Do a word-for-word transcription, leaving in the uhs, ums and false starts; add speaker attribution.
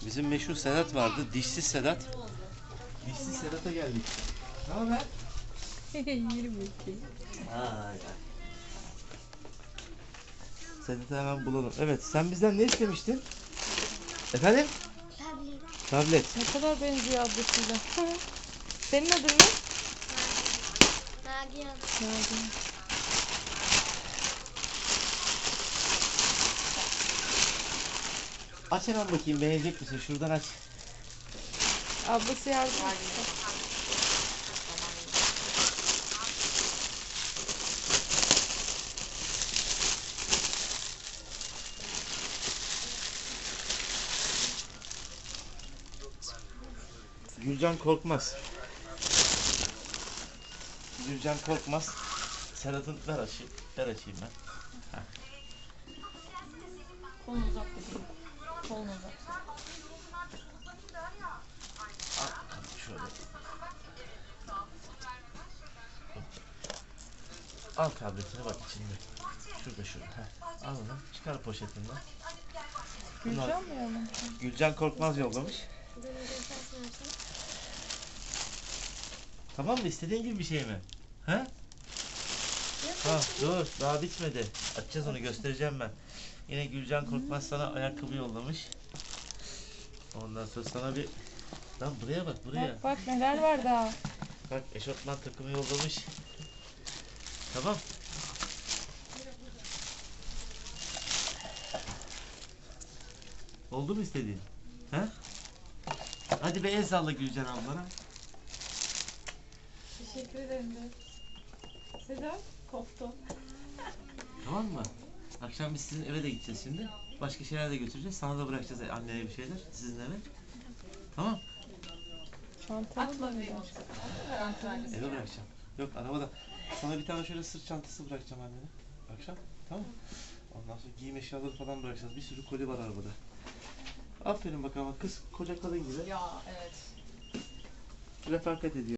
Speaker 1: Bizim meşhur Sedat vardı. Dişsiz Sedat. Dişsiz Sedat'a geldik. Ne haber?
Speaker 2: yirmi iki.
Speaker 1: Ay. Sedat'ı hemen bulalım. Evet, sen bizden ne istemiştin? Efendim?
Speaker 3: Tablet.
Speaker 1: Tablet.
Speaker 2: Ne kadar benziyor ablasıyla. Senin adın ne?
Speaker 3: Nagihan.
Speaker 2: Nagihan.
Speaker 1: Aç hemen bakayım, beğenecek misin? Şuradan aç.
Speaker 2: Ablası yardım etti.
Speaker 1: Gülcan Korkmaz. Gülcan Korkmaz. Sedat'ın ver açayım. Ver açayım ben. Heh.
Speaker 2: Kolun uzak dedi. Kolun uzak.
Speaker 1: Al, şöyle. Al tabletine bak içinde. Şurada şurada. Heh. Al onu. Çıkar poşetinden. Bunlar-
Speaker 2: Gülcan mı yani?
Speaker 1: Gülcan Korkmaz yollamış. Tamam mı? İstediğin gibi bir şey mi? He? Ha, dur. Daha bitmedi. Açacağız onu. Göstereceğim ben. Yine Gülcan Korkmaz sana ayakkabı yollamış. Ondan sonra sana bir... Lan buraya bak buraya.
Speaker 2: Bak bak neler var daha.
Speaker 1: Bak eşofman takımı yollamış. Tamam. Oldu mu istediğin? He? Hadi bir el salla Gülcan ablana.
Speaker 2: Teşekkür ederim de. Sedat koptu.
Speaker 1: Tamam mı? Akşam biz sizin eve de gideceğiz şimdi. Başka şeyler de götüreceğiz. Sana da bırakacağız annene bir şeyler. Sizin eve. Tamam.
Speaker 2: Çantamı da ver.
Speaker 1: Eve bırakacağım. Yok arabada. Sana bir tane şöyle sırt çantası bırakacağım annene. Akşam. Tamam. Ondan sonra giyim eşyaları falan bırakacağız. Bir sürü koli var arabada. Aferin bakalım. Kız koca kadın gibi.
Speaker 2: Ya evet.
Speaker 1: Refakat ediyor.